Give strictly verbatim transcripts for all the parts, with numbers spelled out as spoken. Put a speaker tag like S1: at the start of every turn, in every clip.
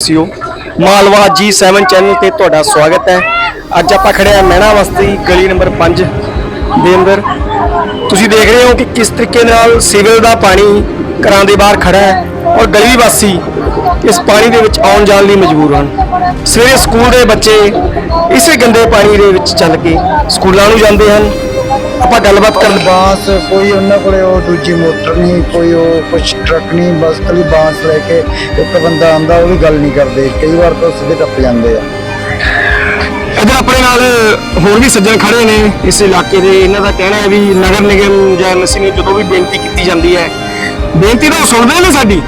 S1: ਵਾਸੀਓ, ਮਾਲਵਾ ਜੀ seven channel ਤੇ ਤੁਹਾਡਾ ਸਵਾਗਤ ਹੈ। ਅੱਜ ਆਪਾਂ ਖੜੇ ਆ ਮਹਿਣਾ ਬਸਤੀ ਗਲੀ ਨੰਬਰ ਪੰਜ ਦੇ ਅੰਦਰ। ਤੁਸੀਂ ਦੇਖ ਰਹੇ ਹੋ ਕਿ ਕਿਸ ਤਰੀਕੇ ਨਾਲ ਸੀਵਰੇਜ ਦਾ ਪਾਣੀ ਘਰਾਂ ਦੇ ਬਾਹਰ ਖੜਾ ਹੈ ਔਰ ਗਲੀ ਵਾਸੀ ਇਸ ਪਾਣੀ ਦੇ ਵਿੱਚ ਆਉਣ ਜਾਣ ਲਈ ਮਜਬੂਰ ਹਨ। ਸਵੇਰੇ ਸਕੂਲ ਦੇ ਬੱਚੇ ਇਸੇ ਗੰਦੇ ਪਾਣੀ ਦੇ ਵਿੱਚ ਚੱਲ ਕੇ ਸਕੂਲਾਂ ਨੂੰ ਜਾਂਦੇ ਹਨ। ਆਪਾਂ ਗੱਲਬਾਤ ਕਰਨ
S2: ਬਾਂਸ ਕੋਈ ਉਹਨਾਂ ਕੋਲੇ ਉਹ ਦੂਜੀ ਮੋਟਰ ਨਹੀਂ, ਕੋਈ ਉਹ ਕੁਛ ਟਰੱਕ ਨਹੀਂ, ਬਸ ਖਾਲੀ ਬਾਂਸ ਲੈ ਕੇ ਇੱਕ ਬੰਦਾ ਆਂਦਾ, ਉਹ ਵੀ ਗੱਲ ਨਹੀਂ ਕਰਦੇ। ਕਈ ਵਾਰ ਤਾਂ ਸਿੱਧੇ ਟੱਪ ਜਾਂਦੇ ਆ।
S1: ਇੱਧਰ ਆਪਣੇ ਨਾਲ ਹੋਰ ਵੀ ਸੱਜਣ ਖੜੇ ਨੇ ਇਸ ਇਲਾਕੇ ਦੇ। ਇਹਨਾਂ ਦਾ ਕਹਿਣਾ ਹੈ ਵੀ ਨਗਰ ਨਿਗਮ ਜਾਂ ਐਮਸੀ ਨੂੰ ਜਦੋਂ ਵੀ ਬੇਨਤੀ ਕੀਤੀ ਜਾਂਦੀ ਹੈ, ਬੇਨਤੀ ਤਾਂ ਸੁਣਦੇ ਨੇ ਸਾਡੀ,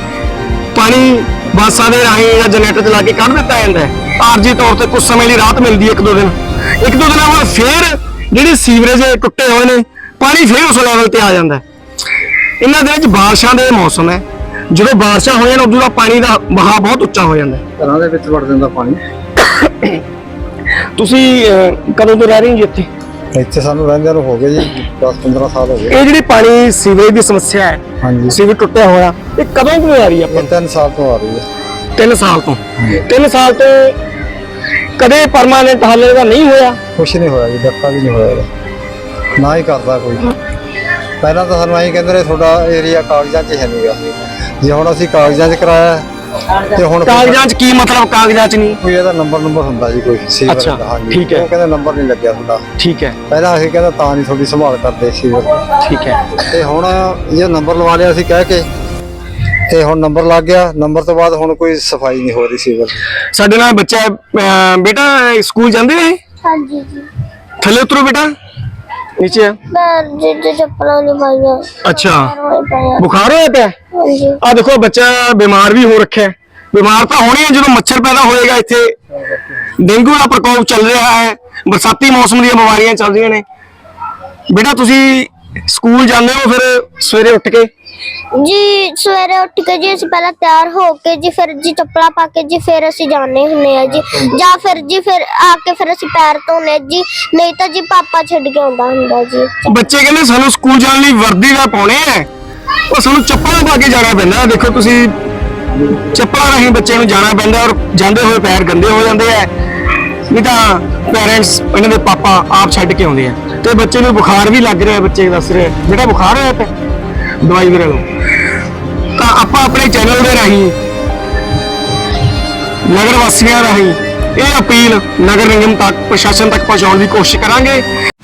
S1: ਪਾਣੀ ਬਾਸਾਂ ਦੇ ਰਾਹੀਂ ਜਾਂ ਜਨਰੇਟਰ ਚਲਾ ਕੇ ਕੱਢ ਦਿੱਤਾ ਜਾਂਦਾ ਹੈ। ਆਰਜੀ ਤੌਰ ਤੇ ਕੁਝ ਸਮੇਂ ਲਈ ਰਾਹਤ ਮਿਲਦੀ ਹੈ, ਇੱਕ ਦੋ ਦਿਨ ਇੱਕ ਦੋ ਦਿਨਾਂ ਬਾਅਦ ਫੇਰ ਜਿਹੜੇ ਸੀਵਰੇਜ ਟੁੱਟੇ ਹੋਏ ਨੇ ਪਾਣੀ ਫੇਰ ਉਸ ਲੈਵਲ ਤੇ ਆ ਜਾਂਦਾ ਹੈ। ਇਹਨਾਂ ਦੇ ਵਿੱਚ ਬਾਰਿਸ਼ਾਂ ਦੇ ਮੌਸਮ ਹੈ, ਜਦੋਂ ਬਾਰਿਸ਼ਾਂ ਹੋ ਜਾਣ ਉਦੋਂ ਦਾ ਪਾਣੀ ਦਾ ਵਹਾਅ ਬਹੁਤ ਉੱਚਾ ਹੋ ਜਾਂਦਾ ਹੈ।
S2: ਘਰਾਂ ਦੇ ਵਿੱਚ ਵੜ ਜਾਂਦਾ ਪਾਣੀ।
S1: ਤੁਸੀਂ ਕਦੋਂ ਤੋਂ ਰਹਿ ਰਹੇ ਹੋ ਜੀ ਇੱਥੇ?
S2: ਇੱਥੇ ਸਾਨੂੰ ਰਹਿੰਦਿਆਂ ਨੂੰ ਹੋ ਗਏ ਜੀ ਦਸ ਪੰਦਰਾਂ ਸਾਲ ਹੋ ਗਏ।
S1: ਇਹ ਜਿਹੜੀ ਪਾਣੀ ਸੀਵਰੇਜ ਦੀ ਸਮੱਸਿਆ ਹੈ,
S2: ਹਾਂਜੀ,
S1: ਸੀਵਰ ਟੁੱਟਿਆ ਹੋਇਆ, ਇਹ ਕਦੋਂ ਤੋਂ ਆ ਰਹੀ ਹੈ?
S2: ਇਹ ਤਿੰਨ ਸਾਲ ਤੋਂ ਆ ਰਹੀ ਹੈ।
S1: ਤਿੰਨ ਸਾਲ ਤੋਂ ਤਿੰਨ ਸਾਲ ਤੋਂ ਕਦੇ ਪਰਮਾਨੈਂਟ ਹੱਲ ਇਹਦਾ ਨਹੀਂ ਹੋਇਆ?
S2: ਕੁਛ ਨਹੀਂ ਹੋਇਆ ਜੀ, ਡੱਕਾ ਵੀ ਨਹੀਂ ਹੋਇਆ ਇਹਦਾ, ਨਾ ਹੀ ਕਰਦਾ ਕੋਈ। ਪਹਿਲਾਂ ਤਾਂ ਸਾਨੂੰ ਐਂ ਕਹਿੰਦੇ ਨੇ ਤੁਹਾਡਾ ਏਰੀਆ ਕਾਗਜ਼ਾਂ 'ਚ ਹੈ ਨਹੀਂਗਾ। ਜੇ ਹੁਣ ਅਸੀਂ ਕਾਗਜ਼ਾਂ 'ਚ ਕਰਾਇਆ ਤੇ ਹੁਣ
S1: ਕਾਗਜ਼ਾਂ 'ਚ ਕੀ ਮਤਲਬ? ਕਾਗਜ਼ਾਂ 'ਚ ਨਹੀਂ
S2: ਕੋਈ ਇਹਦਾ ਨੰਬਰ ਨੰਬਰ ਹੁੰਦਾ ਜੀ ਕੋਈ ਸੀਵਰ
S1: ਅੱਛਾ,
S2: ਦਾ। ਹਾਂਜੀ,
S1: ਠੀਕ ਹੈ।
S2: ਉਹ ਕਹਿੰਦੇ ਨੰਬਰ ਨਹੀਂ ਲੱਗਿਆ ਤੁਹਾਡਾ।
S1: ਠੀਕ ਹੈ,
S2: ਪਹਿਲਾਂ ਅਸੀਂ ਕਹਿੰਦਾ ਤਾਂ ਨਹੀਂ ਤੁਹਾਡੀ ਸੰਭਾਲ ਕਰਦੇ ਸੀਵਰ।
S1: ਠੀਕ ਹੈ।
S2: ਤੇ ਹੁਣ ਇਹ ਨੰਬਰ ਲਵਾ ਲਿਆ ਸੀ ਕਹਿ ਕੇ, ਤੇ ਹੁਣ ਨੰਬਰ ਲੱਗ ਗਿਆ। ਨੰਬਰ ਤੋਂ ਬਾਅਦ ਹੁਣ ਕੋਈ ਸਫਾਈ ਨਹੀਂ ਹੋ ਰਹੀ ਸੀਵਰ।
S1: ਸਾਡੇ ਨਾਲ ਬੱਚਾ ਅਹ, ਬੇਟਾ ਸਕੂਲ ਜਾਂਦੇ ਨੇ?
S3: ਹਾਂਜੀ ਜੀ।
S1: ਥੱਲੇ ਉਤਰੋ ਬੇਟਾ, ਨੀਚੇ ਆ।
S3: ਮੈਂ ਜਿੱਦ ਚੱਪਲਾਂ ਨਹੀਂ ਪਾਈਆਂ।
S1: ਅੱਛਾ,
S3: ਹੋਏ ਪਏ ਆ।
S1: ਬੁਖਾਰ ਹੋਇਆ ਪਿਆ?
S3: ਹਾਂਜੀ।
S1: ਆ ਦੇਖੋ ਬੱਚਾ ਬਿਮਾਰ ਵੀ ਹੋ ਰੱਖਿਆ। ਬਿਮਾਰ ਤਾਂ ਹੋਣੀ ਹੈ ਜਦੋਂ ਮੱਛਰ ਪੈਦਾ ਹੋਏਗਾ। ਇੱਥੇ ਡੇਂਗੂ ਦਾ ਪ੍ਰਕੋਪ ਚੱਲ ਰਿਹਾ ਹੈ, ਬਰਸਾਤੀ ਮੌਸਮ ਦੀਆਂ ਬਿਮਾਰੀਆਂ ਚੱਲ ਰਹੀਆਂ ਨੇ। ਬੇਟਾ ਤੁਸੀਂ ਸਕੂਲ ਜਾਂਦੇ ਹੋ ਫਿਰ ਸਵੇਰੇ ਉੱਠ ਕੇ?
S3: ਜੀ ਸਵੇਰੇ ਉੱਠ ਕੇ ਜੀ ਅਸੀਂ ਪਹਿਲਾਂ ਤਿਆਰ ਹੋ ਕੇ ਜੀ ਫਿਰ ਜੀ ਚੱਪਲਾਂ ਪਾ ਕੇ ਜੀ ਫਿਰ ਅਸੀਂ ਜਾਂਦੇ ਹੁੰਨੇ ਆ ਜੀ, ਜਾਂ ਫਿਰ ਜੀ ਫਿਰ ਆ ਕੇ ਫਿਰ ਅਸੀਂ ਪੈਰ ਧੋਨੇ ਜੀ, ਨਹੀਂ ਤਾਂ ਜੀ ਪਾਪਾ ਛੱਡ ਕੇ ਆਉਂਦਾ ਹੁੰਦਾ ਜੀ।
S1: ਬੱਚੇ ਕਹਿੰਦੇ ਸਾਨੂੰ ਸਕੂਲ ਜਾਣ ਲਈ ਵਰਦੀ ਦਾ ਪਾਉਣੇ ਆ, ਉਹ ਸਾਨੂੰ ਚੱਪਲਾਂ ਪਾ ਕੇ ਜਾਣਾ ਪੈਂਦਾ। ਦੇਖੋ ਤੁਸੀਂ, ਚੱਪਲਾਂ ਰਾਹੀਂ ਬੱਚੇ ਨੂੰ ਜਾਣਾ ਪੈਂਦਾ ਔਰ ਜਾਂਦੇ ਹੋਏ ਪੈਰ ਗੰਦੇ ਹੋ ਜਾਂਦੇ ਆ। ਨਹੀਂ ਤਾਂ ਪੇਰੈਂਟਸ ਇਹਨਾਂ ਦੇ ਪਾਪਾ ਆਪ ਛੱਡ ਕੇ ਆਉਂਦੇ ਆ। ਤੇ ਬੱਚੇ ਨੂੰ ਬੁਖਾਰ ਵੀ ਲੱਗ ਰਿਹਾ, ਬੱਚੇ ਦੱਸ ਰਹੇ ਬੇਟਾ ਬੁਖਾਰ ਹੋਇਆ ਪਿਆ, ਦਵਾਈ ਵੀ ਲਓ। ਤਾਂ ਆਪਾਂ ਆਪਣੇ ਚੈਨਲ ਦੇ ਰਾਹੀਂ ਨਗਰ ਵਾਸੀਆਂ ਰਾਹੀਂ ਇਹ ਅਪੀਲ ਨਗਰ ਨਿਗਮ ਤੱਕ, ਪ੍ਰਸ਼ਾਸਨ ਤੱਕ ਪਹੁੰਚਾਉਣ ਦੀ ਕੋਸ਼ਿਸ਼ ਕਰਾਂਗੇ।